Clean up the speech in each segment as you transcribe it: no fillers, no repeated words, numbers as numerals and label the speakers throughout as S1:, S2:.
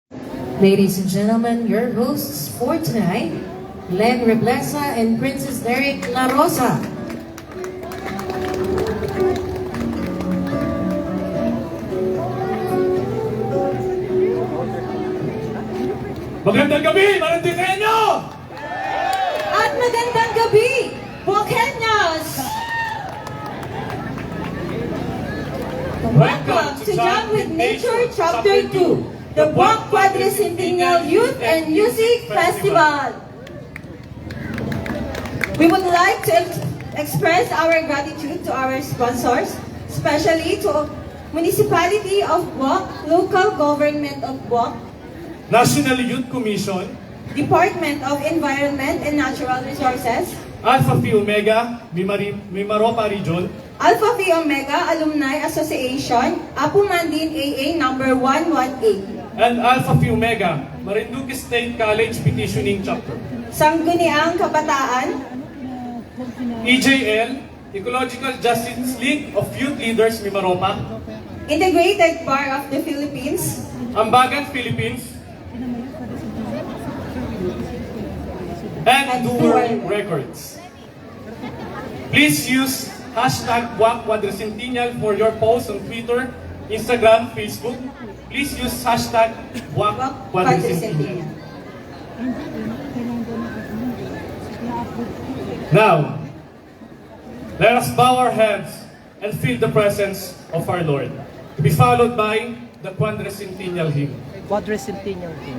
S1: Ladies and gentlemen, your hosts for tonight, Len Reblesa and Princess Derek La Rosa.
S2: Magandang gabi, Marantineño!
S3: At magandang gabi, Bukenyos! Welcome to Jam with Nature Chapter 2, the Buwak Quadricentennial Youth and Music Festival. We would like to express our gratitude to our sponsors, especially to Municipality of Buwak, Local Government of Buwak,
S2: National Youth Commission,
S3: Department of Environment and Natural Resources,
S2: Alpha Phi Omega, Mimaropa Region,
S3: Alpha Phi Omega Alumni Association, Apu Mandin AA number 118,
S2: and Alpha Phi Omega, Marinduque State College Petitioning Chapter,
S3: Sangguniang Kabataan,
S2: EJL, Ecological Justice League of Youth Leaders Mimaropa,
S3: Integrated Bar of the Philippines,
S2: Ambagan Philippines, and Duer Records. Please use hashtag Buwak Quadricentennial for your posts on Twitter, Instagram, Facebook. Please use hashtag Buwak Quadricentennial. Now, let us bow our heads and feel the presence of our Lord, to be followed by the Quadricentennial hymn.
S4: Quadricentennial King.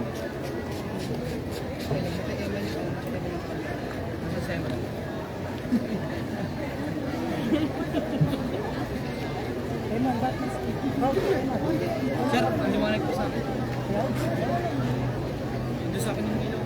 S4: Sir, ang liwanag po sa akin. Ito sa akin yung ilaw.